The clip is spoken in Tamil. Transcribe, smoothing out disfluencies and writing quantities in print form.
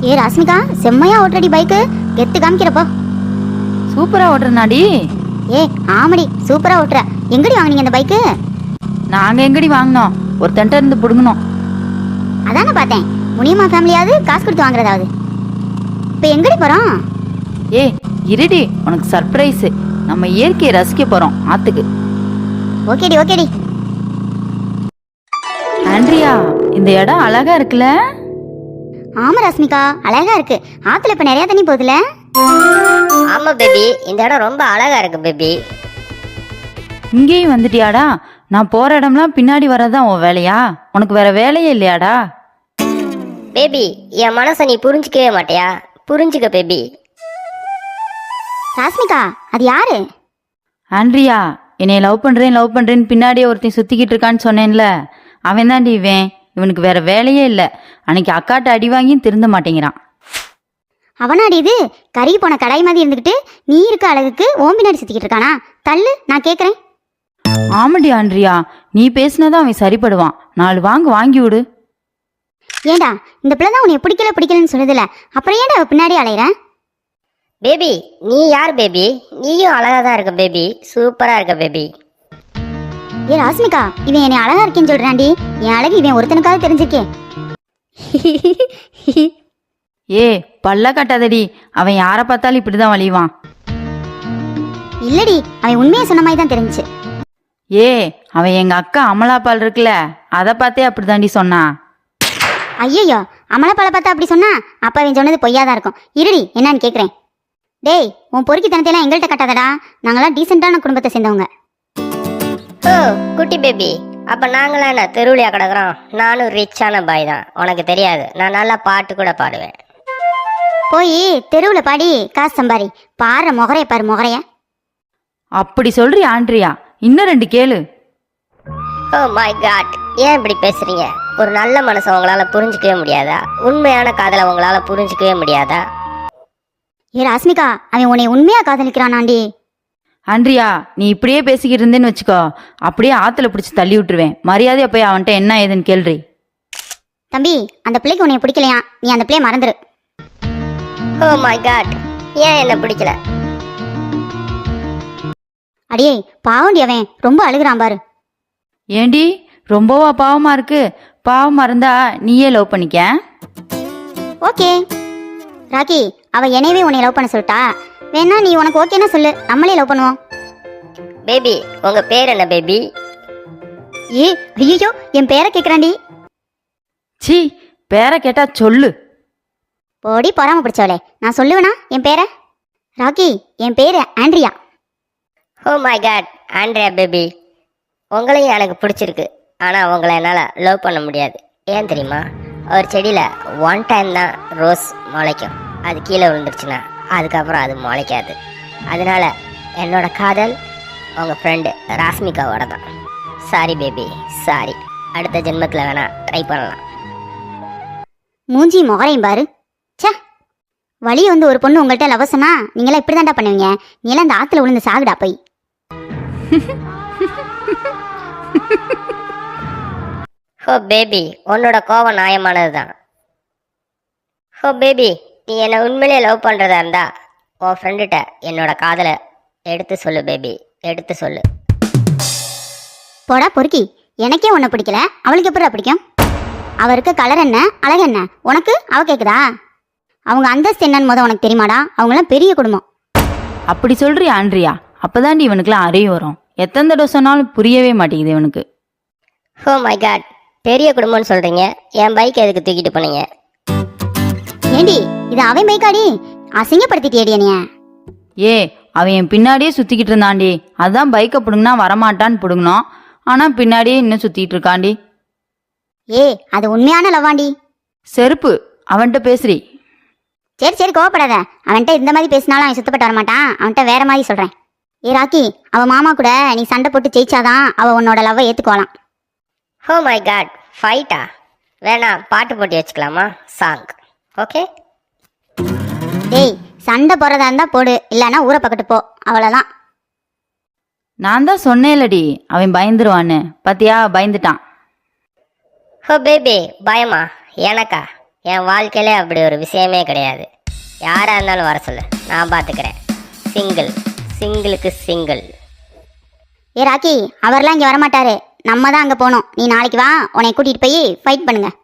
ஏ ராஸ்மிகா, செம்மையா ஓட்டுறடி பைக்கு, கெத்து காமிக்கிறப்போ. சூப்பரா ஓட்டுறனாடி. ஏ ஆமடி, சூப்பரா ஓட்டுற. எங்கடி வாங்குனீங்க அந்த பைக்கு? நாங்க எங்கடி வாங்கினோம், ஒருத்தன்ட்ட இருந்து புடுங்கணும். அதானே பார்த்தேன், முனியம்மா ஃபேமிலியாவது காசு கொடுத்து வாங்குறதாவது. இப்போ எங்கடி போறோம்? ஏ இருடி, உனக்கு சர்ப்ரைஸ். நம்ம இயற்கையை ரசிக்க போறோம் ஆத்துக்கு. ஓகேடி ஓகேடி. ஆண்ட்ரியா, இந்த இடம் அழகா இருக்குல்ல? ஆமா ராஸ்மிகா, அழகா இருக்கு. ஆத்துல இப்ப நிறைய தண்ணி போகுதுல? ஆமா பேபி, இந்த இடம் ரொம்ப அழகா இருக்கு பேபி. இங்கேயும் வந்துட்டியாடா? நான் போற இடம்லாம் பின்னாடி வரதான் உன் வேலையா? உனக்கு வேற வேலையே இல்லையாடா? பேபி, என் மனசை நீ புரிஞ்சுக்கவே மாட்டியா? புரிஞ்சுக்க பேபி. ராஸ்மிகா, அது யாரு? ஆண்ட்ரியா, என்னை லவ் பண்றேன்னு பின்னாடியே ஒருத்தன் சுத்திக்கிட்டு இருக்கான்னு சொன்னேன்ல, அவன் தாண்டி இவன். இவனுக்கு வேற வேலையே இல்லை. அன்னைக்கு அக்காட்ட அடி வாங்கியும் திருந்த மாட்டேங்கிறான். அவனாடி இது? கறி போன கடாய் மாதிரி இருந்துக்கிட்டு நீ இருக்க அழகுக்கு ஓம் பின்னாடி சுத்திக்கிட்டு இருக்கானா? தள்ளு, நான் கேட்குறேன். ஆமாடி ஆண்ட்ரியா, நீ பேசினதான் அவன் சரிப்படுவான். 4 வாங்கி விடு. ஏண்டா, இந்த பிள்ளை தான் உன்னை பிடிக்கலன்னு சொல்லுதுல, அப்புறம் ஏன்டா அவ பின்னாடி அலையிற? பேபி, நீ யார் பேபி? நீயும் அழகா தான் இருக்க பேபி, சூப்பரா இருக்க பேபி. ஏ ராஸ்மிகா, இவன் என்னை அழகா இருக்கேன்னு சொல்றான்டி. என் அழகு இவன் ஒருத்தனுக்காவது தெரிஞ்சிருக்கே. ஏ பல்ல கட்டாதடி, அவன் யாரை பார்த்தாலும் இப்படிதான் வலிவான். இல்லடி, அவன் உண்மையை சொன்ன மாதிரி தான் தெரிஞ்சுச்சு. ஏ அவன் எங்க அக்கா அமலாபால் இருக்குல்ல, அதை பார்த்தே அப்படிதாண்டி சொன்னான். ஐயோ, அமலப்பாலை பார்த்தா அப்படி சொன்னா அப்ப அவன் சொன்னது பொய்யாதான் இருக்கும். இருடி, என்னன்னு கேட்குறேன். டேய், உன் பொறுக்கித்தனத்தையெல்லாம் எங்கள்கிட்ட கட்டாதடா. நாங்களாம் டீசெண்டான குடும்பத்தை சேர்ந்தவங்க. ஓ குட்டி பேபி, அப்ப நாங்களாம் என்ன தெருவிலையா கிடக்குறோம்? நானும் ரிச்சான பாய் தான், உனக்கு தெரியாது. நான் நல்லா பாட்டு கூட பாடுவேன். போய் தெருவில் பாடி காசு சம்பாரி. பாரு முகரைய, பாரு முகரைய. அப்படி சொல்றி ஆண்ட்ரியா, இன்னும் 2 கேளு. ஓ மை காட், ஏன் இப்படி பேசுறீங்க? ஒரு நல்ல மனசை உங்களால புரிஞ்சுக்கவே முடியாதா? உண்மையான காதலை உங்களால புரிஞ்சுக்கவே முடியாதா? ஏ ராஸ்மிகா, அவன் உன்னை உண்மையா காதலிக்கிறானாண்டி. ஆண்ட்ரியா, நீ இப்படியே பேசிக்கிட்டு இருந்தேன்னு வச்சுக்கோ, அப்படியே ஆத்துல பிடிச்சி தள்ளி விட்டுருவேன். மரியாதையா போய் அவன்கிட்ட என்ன ஏதுன்னு கேள்றி. தம்பி, அந்த பிள்ளைக்கு உன்னை பிடிக்கலையா? நீ அந்த பிள்ளைய மறந்துரு. ஓ மை காட், ஏன் என்ன பிடிக்கல? அடியே பாவண்டி, அவன் ரொம்ப அழுகுறான் பாரு. ஏண்டி ரொம்பவா பாவமா இருக்கு? பாவமா இருந்தா நீயே லவ் பண்ணிக்க. ஓகே ராக்கி, அவ என்னையவே உன்னை லவ் பண்ண சொல்லிட்டா. வேணா நீ உனக்கு ஓகேன்னா சொல்லு, நம்மளே லவ் பண்ணுவோம். பேபி, உங்க பேர் என்ன பேபி? ஏ ஐயோ, என் பேரை கேட்குறாண்டி. சி, பேரை கேட்டா சொல்லு. போடி பொறாம பிடிச்சவளே, நான் சொல்லுவேனா என் பேரை? ராக்கி, என் பேரு Andrea. Oh my god, Andrea baby, உங்களையும் எனக்கு பிடிச்சிருக்கு. ஆனால் உங்களை என்னால் லவ் பண்ண முடியாது. ஏன் தெரியுமா? ஒரு செடியில் 1 டைம் தான் ரோஸ் முளைக்கும். அது கீழே விழுந்துருச்சுன்னா அதுக்கப்புறம் அது முளைக்காது. அதனால என்னோட காதல் உங்கள் ஃப்ரெண்டு ராஸ்மிகாவோட தான். Sorry baby, sorry. அடுத்த ஜென்மத்தில் வேணா ட்ரை பண்ணலாம். மூஞ்சி முகரையும் பாரு. சே, வழி வந்து ஒரு பொண்ணு உங்கள்கிட்ட லவ் சொன்னா நீங்களாம் இப்படி தாண்டா பண்ணுவீங்க. நீலாம் இந்த ஆற்றுல விழுந்து சாகுடா போய். ஹோ பேபி, உன்னோட கோபம் நியாயமானது தான். ஹோ பேபி, நீ என்னை உண்மையிலே லவ் பண்ணுறதா இருந்தா உன் ஃப்ரெண்டுகிட்ட என்னோட காதலை எடுத்து சொல்லு பேபி, எடுத்து சொல்லு. போடா பொறுக்கி, எனக்கே உன்னை பிடிக்கல, அவளுக்கு எப்படா பிடிக்கும்? அவ இருக்க கலர் என்ன, அழகு என்ன, உனக்கு அவ கேட்குதா? அவங்க அந்தஸ்து என்னன்னு உனக்கு தெரியுமாடா? அவங்களாம் பெரிய குடும்பம். அப்படி சொல்றி ஆண்ட்ரியா, அப்பதாண்டி இவனுக்குலாம் அறிவு வரும். எத்தனை தடவை சொன்னாலும் புரியவே மாட்டேங்குது இவனுக்கு. ஓ மை காட், பெரிய குடும்பம்னு சொல்றீங்க, என் பைக் எதுக்கு தூக்கிட்டு போனீங்க? ஏண்டி, இது அவன் பைக்காடி, அசிங்கப்படுத்திட்டியடி என்னைய. ஏ அவன் என் பின்னாடியே சுத்திக்கிட்டு இருந்தாண்டி, அதான் பைக்கை பிடுங்கினா வரமாட்டான்னு பிடுங்கினோம். ஆனா பின்னாடியே இன்னும் சுத்திட்டு இருக்காண்டி. ஏ அது உண்மையான லவ்வாண்டி. செருப்பு, அவன்கிட்ட பேசுறி. சரி சரி, கோவப்படாத. அவன்கிட்ட இந்த மாதிரி பேசினாலும் அவன் சுத்தப்பட்டு வரமாட்டான். அவன்கிட்ட வேற மாதிரி சொல்றேன். ஏ ராக்கி, அவ மாமா கூட நீ சண்டை போட்டு ஜெயிச்சாதான் அவ உன்னோட லவ்வை ஏத்துக்குவாளாம். ஓ மை காட், ஃபைட்டா? வேணா பாட்டு போட்டி வச்சுக்கலாமா? Song, okay? டேய், சண்டை போறதா இருந்தா போடு, இல்லைன்னா ஊரை பக்கத்து போ, அவ்வளோதான். நான் தான் சொன்னேன்லடி அவன் பயந்துருவான்னு. பாத்தியா, பயந்துட்டான். ஓ பேபி, பயமா? எனக்கா? என் வாழ்க்கையிலே அப்படி ஒரு விஷயமே கிடையாது. யாராக இருந்தாலும் வர சொல்லு, நான் பார்த்துக்கிறேன். சிங்கிளுக்கு சிங்கிள். ஏ ராக்கி, அவர்லாம் இங்கே வரமாட்டாரு. நம்ம தான் அங்கே போகணும். நீ நாளைக்கு வா, உன்னை கூட்டிகிட்டு போய் ஃபைட் பண்ணுங்க.